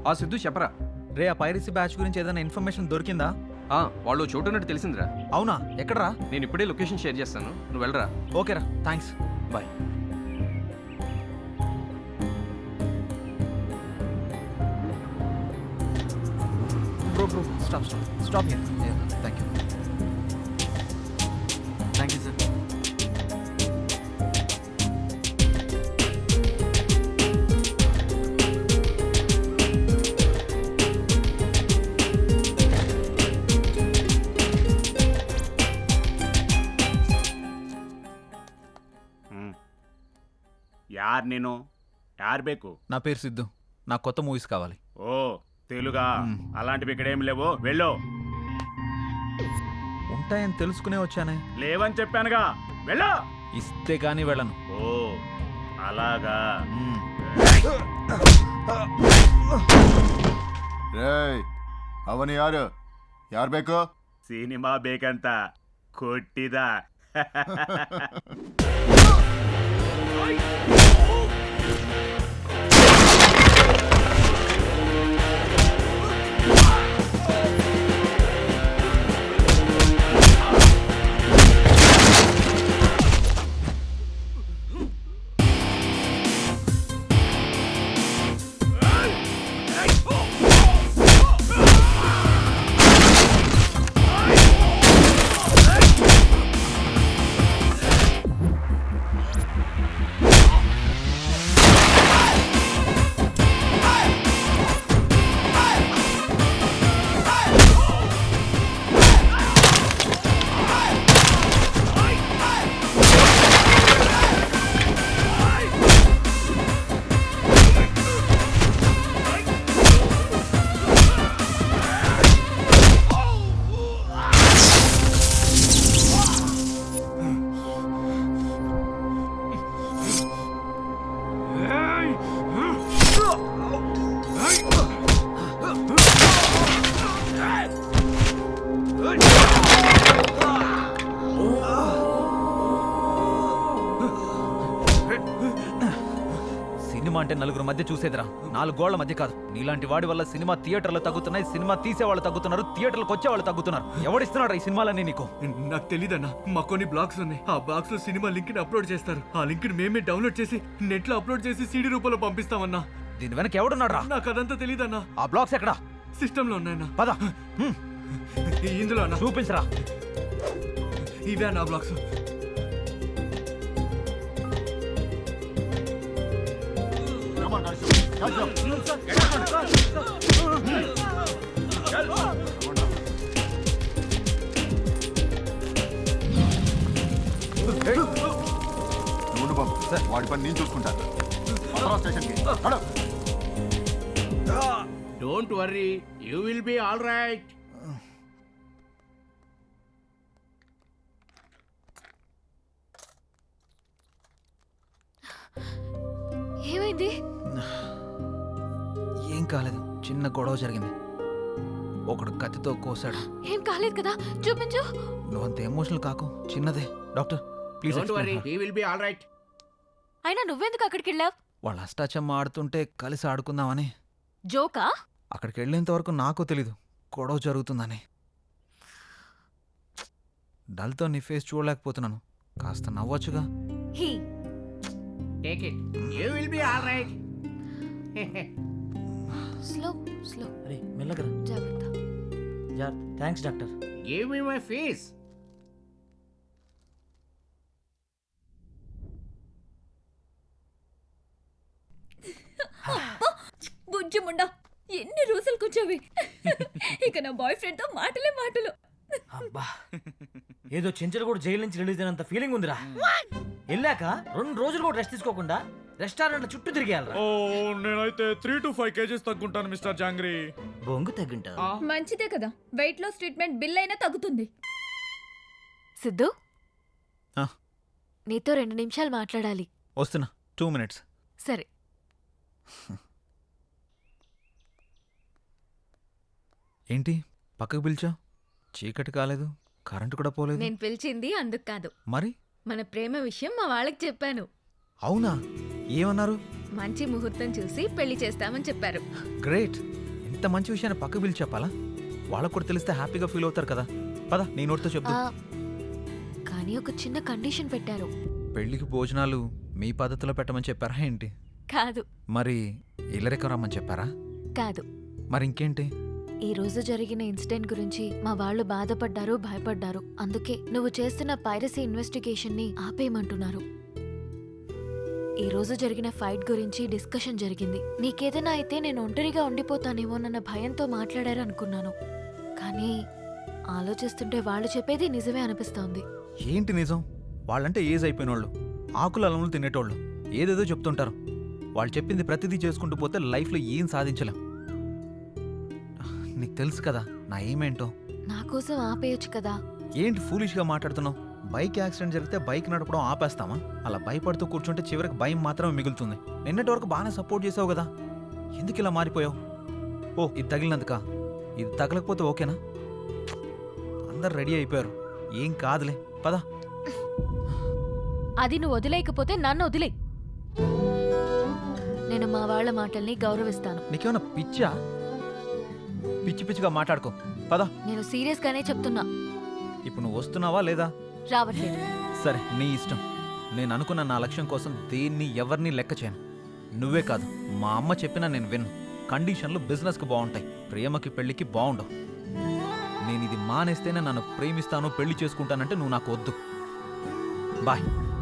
ఆ సిద్ధు చెప్పరా. రే ఆ పైరసీ బ్యాచ్ గురించి ఏదైనా ఇన్ఫర్మేషన్ దొరికిందా? వాళ్ళు చోటు ఉన్నట్టు తెలిసిందిరా. అవునా, ఎక్కడరా? నేను ఇప్పుడే లొకేషన్ షేర్ చేస్తాను, నువ్వు వెళ్ళరా. ఓకేరా, thanks, bye. Bro stop here. Thank you. Thank you sir. ಯಾರ್ ನೀನು? ಯಾರ್ ಬೇಕು? నా పేరు సిద్ధు, నాకు కొత్త మూవీస్ కావాలి. ఓ తెలుగా? అలాంటివి ఇక్కడ ఏం లేవు, వెళ్ళు. ఉంటాయని తెలుసుకునే వచ్చానే. లేవని చెప్పానుగా, వెళ్ళు. ఇస్తే కానీ వెళ్ళను. ఓ అలాగా. ರೇಯ್ ಅವನು ಯಾರು? ಯಾರು ಬೇಕು? ಸಿನಿಮಾ ಬೇಕಂತ ಕೊಟ್ಟಿದ. సినిమా అంటే నలుగురు మధ్య చూసేదిరా, 4 గోళ్ల మధ్య కాదు. నీలాంటి వాడి వల్ల సినిమా థియేటర్లు తగ్గుతున్నాయి, సినిమా తీసేవాళ్ళు తగ్గుతున్నారు, థియేటర్లకు వచ్చేవాళ్ళు తగ్గుతున్నారు. ఎవడిస్తున్నాడు ఈ సినిమాలన్నీ నీకు? నాకు తెలీదన్నా, మా కొన్ని బ్లాగ్స్ ఉన్నాయి. ఆ బ్లాగ్స్ లో సినిమా లింక్ ని అప్లోడ్ చేస్తారు. ఆ లింక్ ని మేమే డౌన్లోడ్ చేసి నెట్ లో అప్లోడ్ చేసి సీడీ రూపంలో పంపిస్తామన్నా. దీని వెనక ఎవడున్నాడు రా? నాకు అదంతా తెలీదన్నా. ఆ బ్లాగ్స్ ఎక్కడా? సిస్టమ్ లో ఉన్నాయన్నా. పద ఇందులో అన్నా. చూపించరా. ఇవే నా బ్లాగ్స్. నువ్వు బాబు, వాడి పని నేను చూసుకుంటాను. స్టేషన్కి don't worry, you will be all right. ఏమైంది? ఏం కాలేదు, చిన్న గొడవ జరిగింది. ఒకడు కత్తితో కోసాడు. ఏం కాలేదు కదా, చూపించు. నువ్వంత ఎమోషనల్ కాకు, చిన్నదే. Doctor please. Don't worry, he will be all right. అయినా నువ్వెందుకు అక్కడికి వెళ్ళావు? వాళ్ళు అష్టాచమ్మ ఆడుతుంటే కలిసి ఆడుకుందామని. జోకా? అక్కడికి వెళ్ళేంత వరకు నాకు తెలీదు గొడవ జరుగుతుందని. డల్తో నీ ఫేస్ చూడలేకపోతున్నాను, కాస్త నవ్వొచ్చుగా. He take it, you will be all right. Slow slow. అరే మెల్లగరా. జాగ్రత్త. Thanks doctor. Give me my fees. బుజ్జి ముండా, ఎన్ని రోజులు కూర్చోవి. ఇక నా బాయ్ ఫ్రెండ్ తో మాటలే మాటలు. అబ్బా, ఏదో చెంచలు కూడా జైలు నుంచి రిలీజ్ అయినంత ఫీలింగ్ ఉందిరా. వెళ్ళాక 2 రోజులు కూడా రెస్ట్ తీసుకోకుండా రెస్టారెంట్ చుట్టూ తిరిగేయాలరా. నేనైతే 3 to 5 kgs తగ్గుంటాను మిస్టర్ జాంగ్రీ. బొంగు తగ్గింటా. మంచిదే కదా, వెయిట్ లాస్ ట్రీట్మెంట్ బిల్ అయినా తగ్గుతుంది. సిద్ధు, నీతో 2 నిమిషాలు మాట్లాడాలి. వస్తున్నా, 2 minutes. సరే. ఏంటి పక్కకు పిలిచా? చీకటి కాలేదు, కరెంటు కూడా పోలేదు. నేను పిలిచింది అందుకు కాదు, మరి మన ప్రేమ విషయం మా వాళ్ళకి చెప్పాను. అవునా? ఏమన్నారు? మంచి ముహూర్తం చూసి పెళ్లి చేస్తామని చెప్పారు. గ్రేట్. ఇంత మంచి విషయాన్ని పక్క పిలిచి చెప్పాలా? వాళ్ళకు కూడా తెలిస్తే హ్యాపీగా ఫీల్ అవుతారు కదా. పద నీ నోటితో చెప్దు. కానీ ఒక చిన్న కండిషన్ పెట్టారు. పెళ్లికి భోజనాలు మీ పద్ధతిలో పెట్టమని చెప్పారా ఏంటి? కాదు మరి ఇల్లరికం రమ్మని చెప్పారా? కాదు. మరి ఇంకేంటి? ఈ రోజు జరిగిన ఇన్సిడెంట్ గురించి మా వాళ్ళు బాధపడ్డారు, భయపడ్డారు. అందుకే నువ్వు చేస్తున్న పైరసీ ఇన్వెస్టిగేషన్ ని ఆపేయమంటున్నారు. ఈ రోజు జరిగిన ఫైట్ గురించి డిస్కషన్ జరిగింది. నీకేదైనా అయితే నేను ఒంటరిగా ఉండిపోతానేమోనన్న భయంతో మాట్లాడారు అనుకున్నాను. కానీ ఆలోచిస్తుంటే వాళ్ళు చెప్పేది నిజమే అనిపిస్తోంది. ఏంటి నిజం? వాళ్ళంటే ఏజ్ అయిపోయిన వాళ్ళు, ఆకులు అలములు తినేటోళ్ళు, ఏదేదో చెప్తుంటారు. వాళ్ళు చెప్పింది ప్రతిదీ చేసుకుంటూ పోతే లైఫ్లో ఏం సాధించలేం. నీకు తెలుసు కదా నా ఏమేంటో. నా కోసం ఆపేయొచ్చు కదా. ఏంటి ఫూలిష్గా మాట్లాడుతున్నావు? బైక్ యాక్సిడెంట్ జరిగితే బైక్ నడపడం ఆపేస్తామా? అలా భయపడుతూ కూర్చుంటే చివరికి భయం మాత్రమే మిగులుతుంది. నిన్నటి వరకు బాగానే సపోర్ట్ చేసావు కదా, ఎందుకు ఇలా మారిపోయావు? ఓ ఇది తగిలినందుక? ఇది తగలకపోతే ఓకేనా? అందరు రెడీ అయిపోయారు, ఏం కాదులే, పద. అది నువ్వు వదిలేయకపోతే నన్ను వదిలే. నేను మా వాళ్ళ మాటల్ని గౌరవిస్తాను. నీకేమన్నా పిచ్చా? పిచ్చి పిచ్చిగా మాట్లాడుకో, పద. నేను సీరియస్ గానే చెప్తున్నా. ఇప్పుడు నువ్వు వస్తున్నావా లేదా? రావట్లేదు. సరే నీ ఇష్టం. నేను అనుకున్న నా లక్ష్యం కోసం దేన్ని ఎవరిని లెక్క చేయను. నువ్వే కాదు, మా అమ్మ చెప్పినా నేను విన్ను. కండిషన్లు బిజినెస్కి బాగుంటాయి, ప్రేమకి పెళ్లికి బాగుండవు. నేను ఇది మానేస్తేనే నన్ను ప్రేమిస్తాను, పెళ్లి చేసుకుంటానంటే నువ్వు నాకు వద్దు. బాయ్.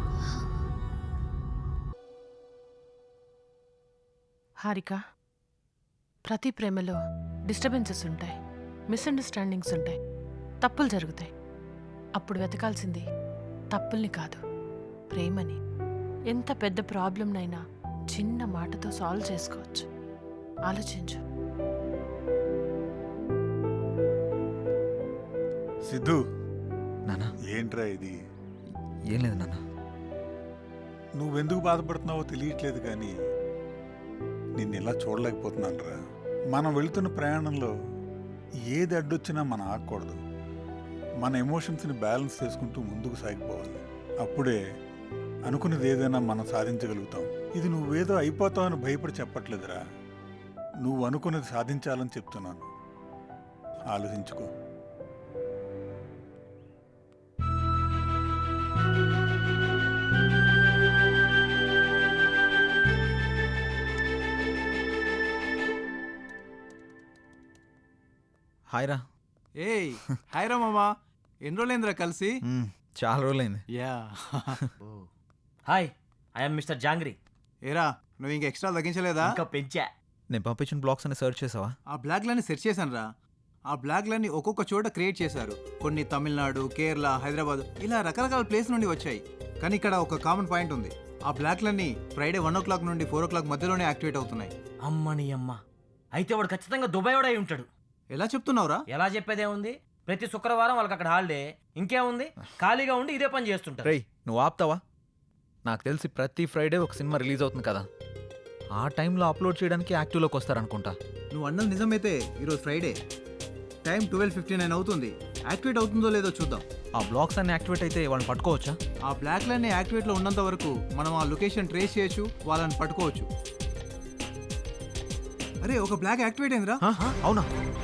హారిక, ప్రతి ప్రేమలో డిస్టర్బెన్సెస్ ఉంటాయి, మిస్అండర్స్టాండింగ్స్ ఉంటాయి, తప్పులు జరుగుతాయి. అప్పుడు వెతకాల్సింది తప్పుల్ని కాదు, ప్రేమని. ఎంత పెద్ద ప్రాబ్లంనైనా చిన్న మాటతో సాల్వ్ చేసుకోవచ్చు. ఆలోచించు. సిద్ధు, నానా ఏంట్రా ఇది? ఏం లేదు నాన్న. నువ్వెందుకు బాధపడుతున్నావో తెలియట్లేదు, కానీ నిన్ను ఇలా చూడలేకపోతున్నాను రా. మనం వెళుతున్న ప్రయాణంలో ఏది అడ్డొచ్చినా మనం ఆగకూడదు. మన ఎమోషన్స్ని బ్యాలెన్స్ చేసుకుంటూ ముందుకు సాగిపోవాలి. అప్పుడే అనుకున్నది ఏదైనా మనం సాధించగలుగుతాం. ఇది నువ్వేదో అయిపోతావని భయపడి చెప్పట్లేదురా, నువ్వు అనుకున్నది సాధించాలని చెప్తున్నాను. ఆలోచించుకో. హాయ్ రా. ఏయ్ హాయ్ రా మామా, ఎన్ని రోజులైందిరా కలిసి? చాలా రోజులైంది. యా. హాయ్, ఐఎమ్ మిస్టర్ జాంగ్రీ. ఏరా నువ్వు ఇంకా ఎక్స్ట్రా తగ్గించలేదా? ఇంకా పెంచా. నేను పంపించిన బ్లాగ్స్ అని సెర్చ్ చేసావా? ఆ బ్లాగ్లన్నీ సెర్చ్ చేశాను రా. ఆ బ్లాగ్లన్నీ ఒక్కొక్క చోట క్రియేట్ చేశారు. కొన్ని తమిళనాడు, కేరళ, హైదరాబాద్, ఇలా రకరకాల ప్లేస్ నుండి వచ్చాయి. కానీ ఇక్కడ ఒక కామన్ పాయింట్ ఉంది. ఆ బ్లాగ్లన్నీ ఫ్రైడే 1 o'clock నుండి 4 o'clock మధ్యలోనే యాక్టివేట్ అవుతున్నాయి. అమ్మని అమ్మ, అయితే వాడు ఖచ్చితంగా దుబాయ్ వాడు అయి ఉంటాడు. ఎలా చెప్తున్నావురా? ఎలా చెప్పేదే ఉంది, ప్రతి శుక్రవారం వాళ్ళకి అక్కడ హాలిడే. ఇంకేముంది, ఖాళీగా ఉండి ఇదే పని చేస్తుంటారు. రేయ్ నువ్వు ఆపుతావా? నాకు తెలిసి ప్రతి ఫ్రైడే ఒక సినిమా రిలీజ్ అవుతుంది కదా, ఆ టైంలో అప్లోడ్ చేయడానికి యాక్టివ్లోకి వస్తారనుకుంటా. నువ్వు అన్నది నిజమైతే ఈరోజు ఫ్రైడే టైం 12:59 అవుతుంది. యాక్టివేట్ అవుతుందో లేదో చూద్దాం. ఆ బ్లాగ్స్ అన్ని యాక్టివేట్ అయితే వాళ్ళని పట్టుకోవచ్చా? ఆ బ్లాక్లన్నీ యాక్టివేట్లో ఉన్నంత వరకు మనం ఆ లొకేషన్ ట్రేస్ చేయొచ్చు, వాళ్ళని పట్టుకోవచ్చు. అరే ఒక బ్లాక్ యాక్టివేట్ అయిందిరా. అవునా?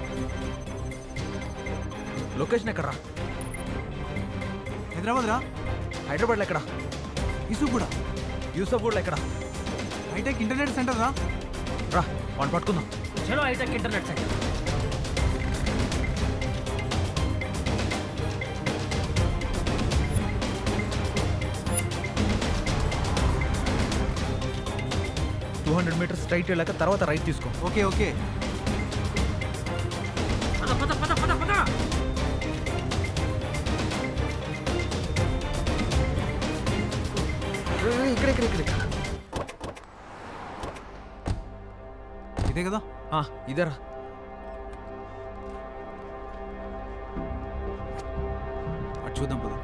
లొకేషన్ ఎక్కడరా? హైదరాబాద్ రా. హైదరాబాద్లో ఎక్కడ? యూసుఫ్గూడ. యూసఫ్గూడలో ఎక్కడ? హైటెక్ ఇంటర్నెట్ సెంటర్ రా. రా వాడిని పట్టుకుందాం. చలో hitech internet centre. Metres straight వెళ్ళాక తర్వాత రైట్ తీసుకో. Okay okay. ఇక్కడ ఇదే కదా? ఇదేరా. అటు చూద్దాం పద.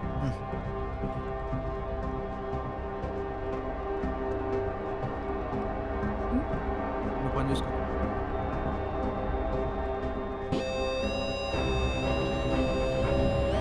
నువ్వు పని చూసుకో.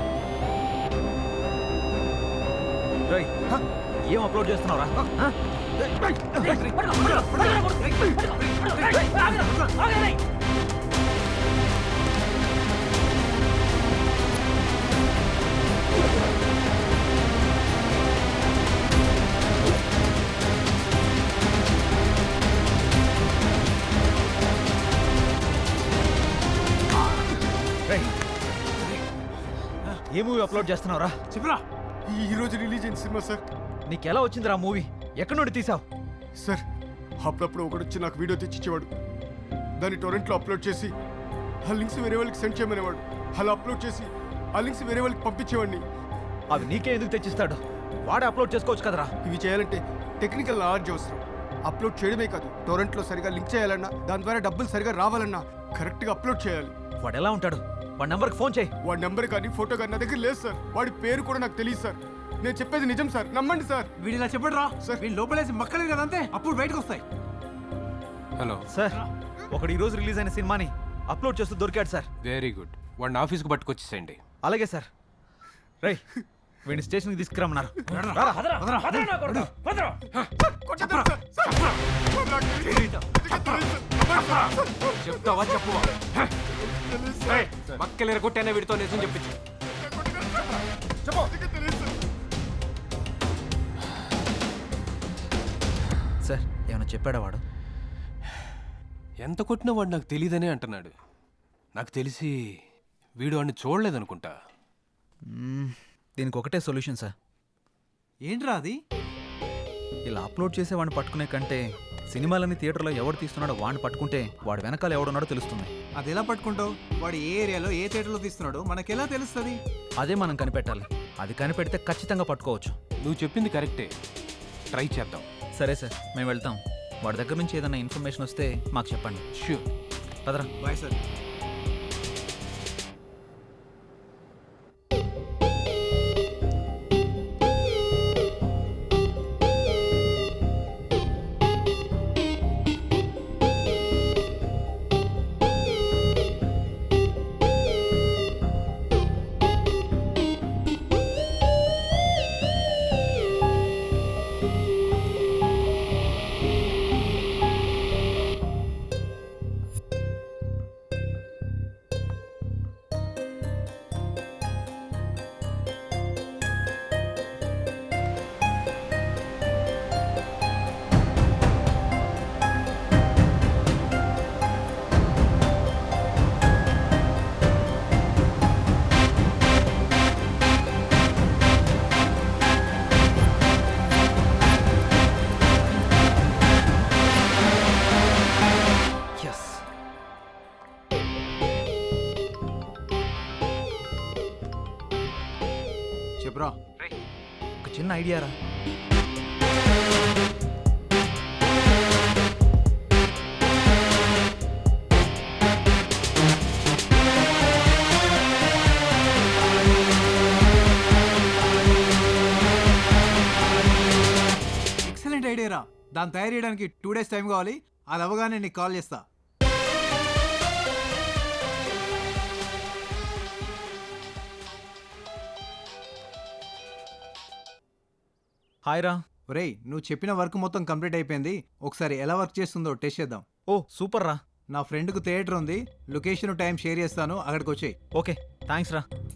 ఏం అప్లోడ్ చేస్తున్నావురా? ఏ మూవీ అప్లోడ్ చేస్తున్నావురా? చెప్పరా. ఈ రోజు రిలీజ్ అయిన సినిమా సార్. నీకెలా వచ్చిందిరా మూవీ? ఎక్కడి నుండి తీసావు? సార్ అప్పుడప్పుడు ఒకడు వచ్చి నాకు వీడియో తెచ్చిచ్చేవాడు. దాన్ని టొరెంట్లో అప్లోడ్ చేసి ఆ లింక్స్ వేరే వాళ్ళకి సెండ్ చేయమనేవాడు. అలా అప్లోడ్ చేసి ఆ లింక్స్ వేరే వాళ్ళకి పంపించేవాడిని. అవి నీకే ఎందుకు తెచ్చిస్తాడు? వాడే అప్లోడ్ చేసుకోవచ్చు కదరా. ఇవి చేయాలంటే టెక్నికల్ నాలెడ్జ్ అవసరం. అప్లోడ్ చేయడమే కాదు, టొరెంట్లో సరిగా లింక్ చేయాలన్నా, దాని ద్వారా డబ్బులు సరిగా రావాలన్నా కరెక్ట్గా అప్లోడ్ చేయాలి. వాడు ఎలా ఉంటాడు? వాడి నెంబర్కి ఫోన్ చేయి. వాడి నెంబర్ కానీ ఫోటో కానీ నా దగ్గర లేదు సార్. వాడి పేరు కూడా నాకు తెలియదు సార్. నేను చెప్పేది నిజం సార్, నమ్మండి సార్. వీడిలా చెప్పడు రా సార్. వీళ్ళు లోపలేసి మక్కలేదు కదా అంతే, అప్పుడు బయటకు వస్తాయి. హలో సార్, ఒకడు ఈ రోజు రిలీజ్ అయిన సినిమాని అప్లోడ్ చేస్తూ దొరికాడు సార్. Very good. వాడిని ఆఫీస్కి పట్టుకొచ్చేసేయండి. అలాగే సార్. రై, వీడిని స్టేషన్కి తీసుకురమ్మన్నారు. కొట్టొద్దు సార్. సార్. నాకు తెలియదు. చెప్తావా చెప్పువా? తెలియదు సార్. మక్కలేరు కొట్టైనా వీడితో నిజం చెప్పించు. సార్, ఏమైనా చెప్పాడా వాడు? ఎంత కొట్టినా వాడు నాకు తెలియదనే అంటున్నాడు. నాకు తెలిసి వీడు వాడిని చూడలేదనుకుంటా. దీనికి ఒకటే సొల్యూషన్ సార్. ఏంట్రా అది? ఇలా అప్లోడ్ చేసే వాడిని పట్టుకునే కంటే సినిమాలన్నీ థియేటర్లో ఎవడు తీస్తున్నాడో వాడిని పట్టుకుంటే వాడు వెనకాల ఎవడున్నాడో తెలుస్తుంది. అది ఎలా పట్టుకుంటావు? వాడు ఏ ఏరియాలో ఏ థియేటర్లో తీస్తున్నాడో మనకెలా తెలుస్తుంది? అదే మనం కనిపెట్టాలి. అది కనిపెడితే ఖచ్చితంగా పట్టుకోవచ్చు. నువ్వు చెప్పింది కరెక్టే. ట్రై చేద్దాం. సరే సార్, మేము వెళ్తాం. వాడి దగ్గర నుంచి ఏదైనా ఇన్ఫర్మేషన్ వస్తే మాకు చెప్పండి. ష్యూర్. పదరా. Bye sir. చెప్పరా. ఒక చిన్న ఐడియా రా. ఎక్సలెంట్ ఐడియా రా. దాన్ని తయారు చేయడానికి 2 days టైం కావాలి. అది అవ్వగానే నీకు కాల్ చేస్తా. హాయ్ రా. ఒరేయ్, నువ్వు చెప్పిన వర్క్ మొత్తం కంప్లీట్ అయిపోయింది. ఒకసారి ఎలా వర్క్ చేస్తుందో టెస్ట్ చేద్దాం. ఓ సూపర్ రా. నా ఫ్రెండ్కు థియేటర్ ఉంది. లొకేషన్ టైం షేర్ చేస్తాను, అక్కడికి వచ్చేయి. ఓకే, థ్యాంక్స్ రా.